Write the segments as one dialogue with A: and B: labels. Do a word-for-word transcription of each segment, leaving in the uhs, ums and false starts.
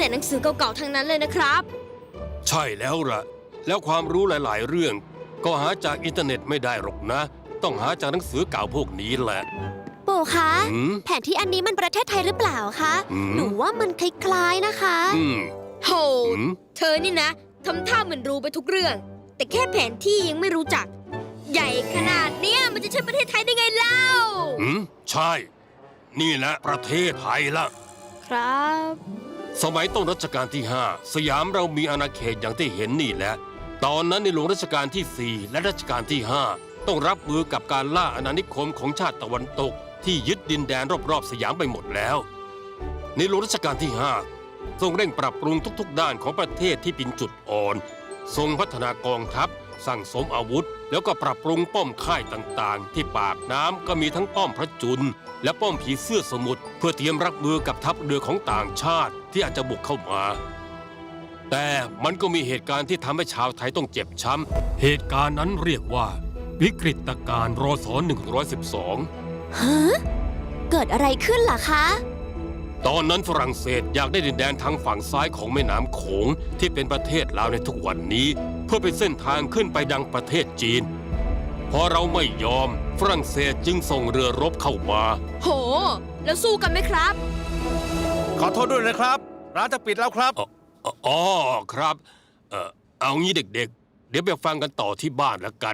A: แต่หนังสือเก่าๆทั้งนั้นเลยนะครับ
B: ใช่แล้วล่ะแล้วความรู้หลายๆเรื่องก็หาจากอินเทอร์เน็ตไม่ได้หรอกนะ ต้องหาจากหนังสือเก่าพวกนี้แหละ
C: ปู่คะแผนที่อันนี้มันประเทศไทยหรือเปล่าคะหนูว่ามันคล้ายๆนะคะ
A: โหเธอนี่นะทำท่าเหมือนรู้ไปทุกเรื่องแต่แค่แผนที่ยังไม่รู้จักใหญ่ขนาดเนี้ยมันจะใช่ประเทศไทยได้ไงเล่า
B: อืมใช่นี่แหละประเทศไทยละ
A: ครับ
B: สมัยต้นรัชกาลที่ห้าสยามเรามีอาณาเขตอย่างที่เห็นนี่แหละตอนนั้นในหลวงรัชกาลที่สี่และรัชกาลที่ห้าต้องรับมือกับการล่าอาณานิคมของชาติตะวันตกที่ยึดดินแดนรอบๆสยามไปหมดแล้วในหลวงรัชกาลที่ห้าทรงเร่งปรับปรุงทุกๆด้านของประเทศที่เป็นจุดอ่อนทรงพัฒนากองทัพสั่งสมอาวุธแล้วก็ปรับปรุงป้อมค่ายต่างๆที่ปากน้ำก็มีทั้งป้อมพระจุลและป้อมผีเสื้อสมุทรเพื่อเตรียมรับมือกับทัพเรือของต่างชาติที่อาจจะบุกเข้ามาแต่มันก็มีเหตุการณ์ที่ทำให้ชาวไทยต้องเจ็บช้ำเหตุการณ์นั้นเรียกว่าวิกฤตการณ์รศหนึ่งร้อยสิบสอง
C: ฮะเกิดอะไรขึ้นล่ะคะ
B: ตอนนั้นฝรั่งเศสอยากได้ดินแดนทางฝั่งซ้ายของแม่น้ำโขงที่เป็นประเทศลาวในทุกวันนี้เพื่อเป็นเส้นทางขึ้นไปดังประเทศจีนพอเราไม่ยอมฝรั่งเศสจึงส่งเรือรบเข้ามา
A: โหแล้วสู้กันไหมครับ
D: ขอโทษด้วยนะครับร้านจะปิดแล้วครับ
B: อ๋อครับเออเอางี้เด็กๆเดี๋ยวไปฟังกันต่อที่บ้านแล้วกัน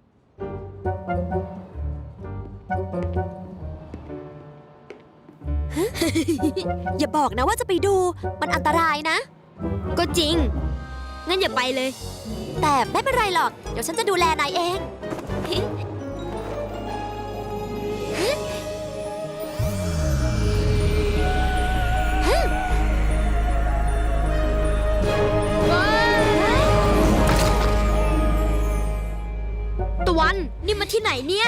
C: อย่าบอกนะว่าจะไปดูมันอันตรายนะ
A: ก็จริงงั้นอย่าไปเลย
C: แต่ไม่เป็นไรหรอกเดี๋ยวฉันจะดูแลนายเอง
A: ตะวันนี่มาที่ไหนเนี่ย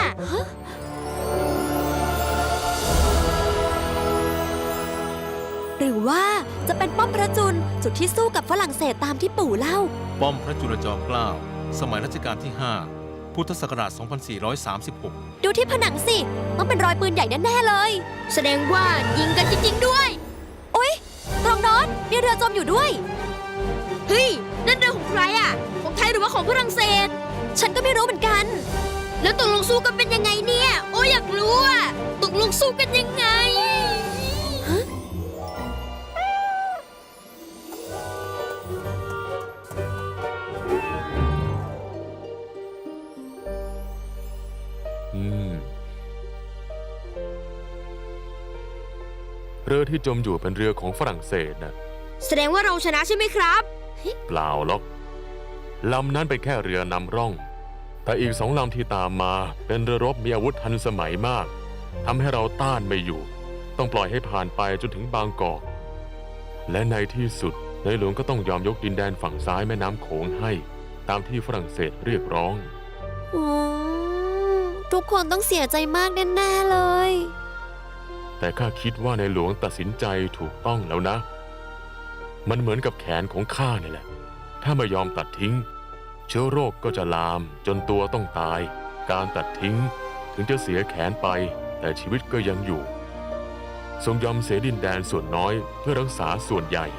C: หรือว่าจะเป็นป้อมพระจุลจุดที่สู้กับฝรั่งเศสตามที่ปู่เล่า
D: ป้อมพระจุลจอมเกล้าสมัยรัชกาลที่ห้าพุทธศักราชสองพันสี่ร้อยสามสิบหก
C: ดูที่ผนังสิต้องเป็นรอยปืนใหญ่แน่ๆเลย
A: แสดงว่ายิงกันจริงๆด้วย
C: โอ๊ยตรงโน้นมีเรือจมอยู่ด้วย
A: เฮ้ยนั่นเรือของใครอ่ะของไทยหรือว่าของฝรั่งเศส
C: ฉันก็ไม่รู้เหมือนกัน
A: แล้วตกลงสู้กันเป็นยังไงเนี่ยโอ้อยากรู้อ่ะตกลงสู้กันยังไง
E: เรือที่จมอยู่เป็นเรือของฝรั่งเศสนะ
A: แสดงว่าเราชนะใช่ไหมครับ
E: เปล่าหรอกลำนั้นเป็นแค่เรือนำร่องแต่อีกสองลำที่ตามมาเป็นเรือรบมีอาวุธทันสมัยมากทำให้เราต้านไม่อยู่ต้องปล่อยให้ผ่านไปจนถึงบางกอกและในที่สุดในหลวงก็ต้องยอมยกดินแดนฝั่งซ้ายแม่น้ำโขงให้ตามที่ฝรั่งเศสเรียกร้อง
C: ทุกคนต้องเสียใจมากแน่ๆเลย
E: แต่ข้าคิดว่าในหลวงตัดสินใจถูกต้องแล้วนะมันเหมือนกับแขนของข้านี่แหละถ้าไม่ยอมตัดทิ้งเชื้อโรคก็จะลามจนตัวต้องตายการตัดทิ้งถึงจะเสียแขนไปแต่ชีวิตก็ยังอยู่ทรงยอมเสียดินแดนส่วนน้อยเพื่อรักษาส่วนใหญ่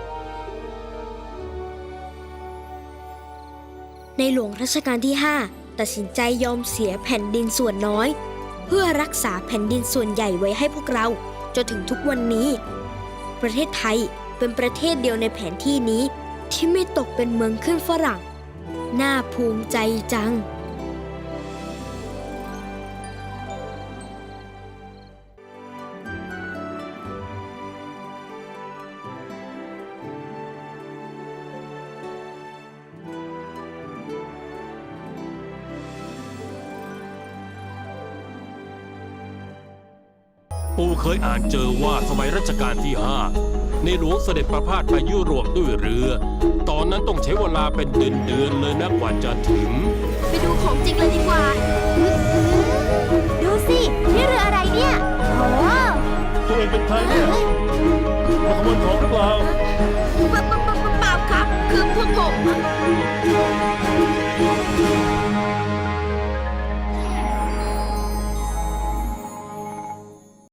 A: ในหลวงรัชกาลที่ห้าตัดสินใจยอมเสียแผ่นดินส่วนน้อยเพื่อรักษาแผ่นดินส่วนใหญ่ไว้ให้พวกเราจนถึงทุกวันนี้ประเทศไทยเป็นประเทศเดียวในแผนที่นี้ที่ไม่ตกเป็นเมืองขึ้นฝรั่งน่าภูมิใจจัง
B: ปู่เคยอ่านเจอว่าสมัยรัชกาลที่ห้าในหลวงเสด็จประพาสไปยุโรปด้วยเรือตอนนั้นต้องใช้เวลาเป็นเดือนๆเลยนะกว่าจะถึง
A: ไปดูของจริงเลยดีกว่า
C: ดูสินี่เรืออะไรเนี่ยโอ้
D: ตัวเองเป็นใครเนี่ยมาขโมยของหรือเปล่า
A: ไป